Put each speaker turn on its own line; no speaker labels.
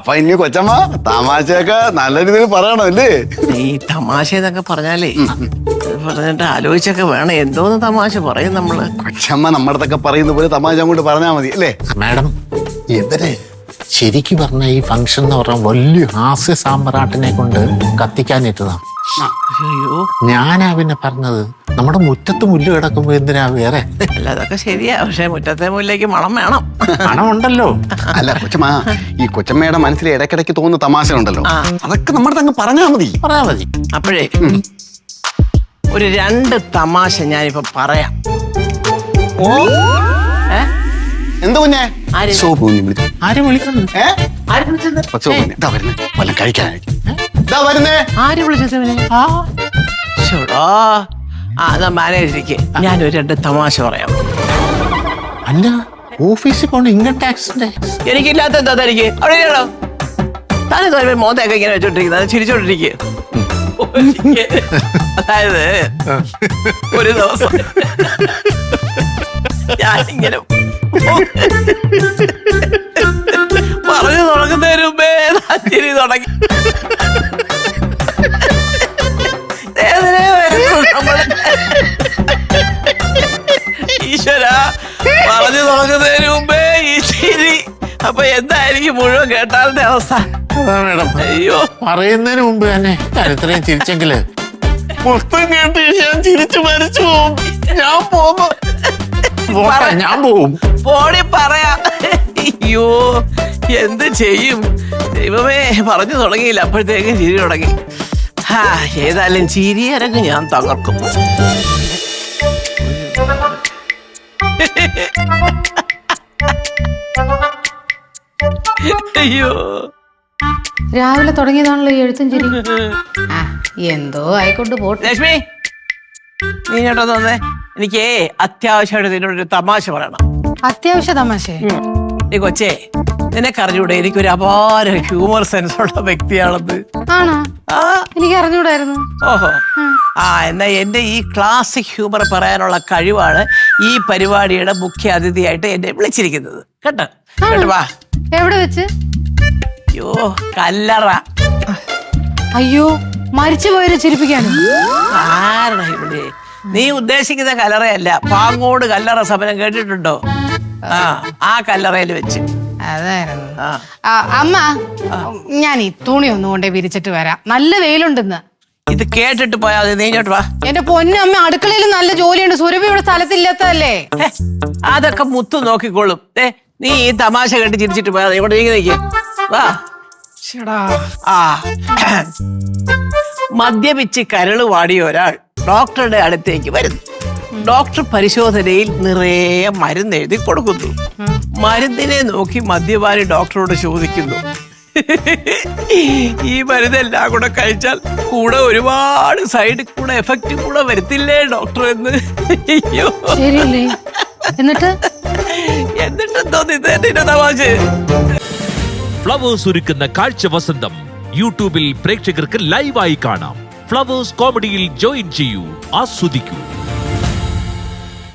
അപ്പൊ ഇനി കൊച്ചമ്മ തമാശയൊക്കെ നല്ല രീതിയിൽ പറയണമല്ലേ?
ഈ തമാശ എന്നൊക്കെ പറഞ്ഞാലേ പറഞ്ഞിട്ട് ആലോചിച്ചൊക്കെ വേണം. എന്തോന്ന് തമാശ പറയും നമ്മള്.
കൊച്ചമ്മ നമ്മടത്തൊക്കെ പറയുന്ന പോലെ തമാശ അങ്ങോട്ട് പറഞ്ഞാൽ മതി അല്ലേ?
മാഡം ഇവരെ ശരിക്കും പറഞ്ഞ ഈ ഫംഗ്ഷൻ എന്ന് പറഞ്ഞ വലിയ ഹാസ്യ സാമ്പ്രാട്ടിനെ കൊണ്ട് കത്തിക്കാനിട്ടതാണ്.
അയ്യോ,
ഞാനാ പിന്നെ പറഞ്ഞത് നമ്മുടെ മുറ്റത്ത് മുല്ല് കിടക്കുമ്പോ എന്തിനാ വേറെ?
അല്ല അതൊക്കെ ശരിയാ, പക്ഷെ മുറ്റത്തെ മുല്ലേക്ക് മണം വേണം.
പണമുണ്ടല്ലോ.
അല്ല കൊച്ചമ്മ, ഈ കൊച്ചമ്മയുടെ മനസ്സിൽ ഇടയ്ക്കിടയ്ക്ക് തോന്നുന്ന തമാശ ഉണ്ടല്ലോ, അതൊക്കെ നമ്മുടെ അങ്ങ് പറഞ്ഞാൽ മതി.
പറയാ മതി.
അപ്പോഴേ ഒരു 2 തമാശ ഞാനിപ്പോ പറയാം.
എന്ത് കുഞ്ഞെ?
ആര്?
സോപ്പ് കുഞ്ഞ് വിളിച്ചു.
ആര് വിളിക്കുന്നു?
വല്ലതും കഴിക്കാനായിട്ട് വരുന്നേ.
ആര് വിളിച്ചത് ഇവനെ? ചോടാ, അതാ മാനേജർക്ക് ഞാനൊരു 2 തമാശ പറയാം.
അല്ല, ഓഫീസിൽ പോണ ഇൻകം ടാക്സിന്റെ
എനിക്കില്ലാത്ത എന്താ തനിക്ക്? അവിടെ ഇരിക്കണോ? താനെന്താ മോന്തൊക്കെ ഇങ്ങനെ വെച്ചോണ്ടിരിക്കുന്നത്? ചിരിച്ചോണ്ടിരിക്കുക. അതായത് ഒരു ദിവസം ഞാനിങ്ങനെ പറഞ്ഞു തുടങ്ങുന്നതിന് മുമ്പേ ചിരി തുടങ്ങി. ഈശ്വര, പറഞ്ഞു തുടങ്ങുന്നതിന് മുമ്പേ ഈ ചിരി. അപ്പൊ എന്തായിരിക്കും മുഴുവൻ കേട്ടാലിന്റെ അവസ്ഥ?
അതാ മേഡം.
അയ്യോ,
പറയുന്നതിന് മുമ്പ് തന്നെ ഞാൻ ഇത്രയും ചിരിച്ചെങ്കില് മൊത്തം കേട്ട് ഞാൻ ചിരിച്ചു മരിച്ചു പോകും. ഞാൻ പോകുന്നു. ഞാൻ പോവും.
പോടി പറയാ. അയ്യോ, എന്ത് ചെയ്യും ദൈവമേ. പറഞ്ഞു തുടങ്ങിയില്ല, അപ്പോഴത്തേക്കും ചിരി തുടങ്ങി. ഏതായാലും ചിരി അരങ്ങ് ഞാൻ തകർക്കും. അയ്യോ,
രാവിലെ തുടങ്ങിയതാണല്ലോ ഈ എഴുത്തും ചിരി. എന്തോ ആയിക്കൊണ്ട് പോട്ടെ.
ലക്ഷ്മി, നീ കേട്ടോ തന്നെ, എനിക്ക് അത്യാവശ്യമായിട്ട് നിന്നോടൊരു തമാശ പറയണം.
അത്യാവശ്യ തമാശ?
നീ കൊച്ചേ, നിനക്ക് അറിഞ്ഞൂടെ എനിക്കൊരു അപാര ഹ്യൂമർ സെൻസ് ഉള്ള വ്യക്തിയാണെന്ന്?
ആണോ?
ആ,
എനിക്ക് അറിഞ്ഞൂടായിരുന്നു.
ഓഹോ. എന്നാ എന്റെ ഈ ക്ലാസിക് ഹ്യൂമർ പറയാനുള്ള കഴിവാണ് ഈ പരിപാടിയുടെ മുഖ്യ അതിഥിയായിട്ട് എന്നെ വിളിച്ചിരിക്കുന്നത്. കേട്ടോ? കേട്ടോ, വാ.
എവിടെ വെച്ച്?
അയ്യോ, കല്ലറ.
അയ്യോ, മരിച്ചു പോയവരെ ചിരിപ്പിക്കാനോ?
ആരാ ഇവിടെ? നീ ഉദ്ദേശിക്കുന്ന കല്ലറയല്ല, പാങ്ങോട് കല്ലറ സമരം കേട്ടിട്ടുണ്ടോ? ആ കല്ലറയിൽ വെച്ച്.
അതായിരുന്നു. അമ്മ, ഞാൻ ഈ തുണി ഒന്നും കൊണ്ടേ വിരിച്ചിട്ട് വരാം. നല്ല വെയിലുണ്ടെന്ന്.
ഇത് കേട്ടിട്ട് പോയാ മതി. നീ ഇങ്ങോട്ട് വാ.
എന്റെ പൊന്നമ്മ, അടുക്കളയിൽ നല്ല ജോലിയുണ്ട്. സുരഭി ഇവിടെ സ്ഥലത്തില്ലാത്തതല്ലേ?
അതൊക്കെ മുത്തു നോക്കിക്കോളും. നീ ഈ തമാശ കേട്ട് ചിരിച്ചിട്ട് പോയാ മതി. ഇവിടെ നീക്കി വാ. മദ്യപിച്ച് കരള് വാടിയ ഒരാൾ ഡോക്ടറുടെ അടുത്തേക്ക് വരുന്നു. ഡോക്ടർ പരിശോധനയിൽ നിറയെ മരുന്ന് എഴുതി കൊടുക്കുന്നു. മരുന്നിനെ നോക്കി മദ്യപാനി ഡോക്ടറോട് ചോദിക്കുന്നു, ഈ മരുന്നെല്ലാം കൂടെ കഴിച്ചാൽ കൂടെ ഒരുപാട് സൈഡ് കൂടെ എഫക്റ്റ് കൂടെ വരുത്തില്ലേ ഡോക്ടർ എന്ന്. അയ്യോ,
ശരിയല്ലേ?
എന്നിട്ടെന്തോ നിന്റെ തമാശ.
ഫ്ലവേഴ്സ് ഒരുക്കുന്ന കാഴ്ച വസന്തം യൂട്യൂബിൽ പ്രേക്ഷകർക്ക് ലൈവായി കാണാം. ഫ്ലവേഴ്സ് കോമഡിയിൽ ജോയിൻ ചെയ്യൂ, ആസ്വദിക്കൂ.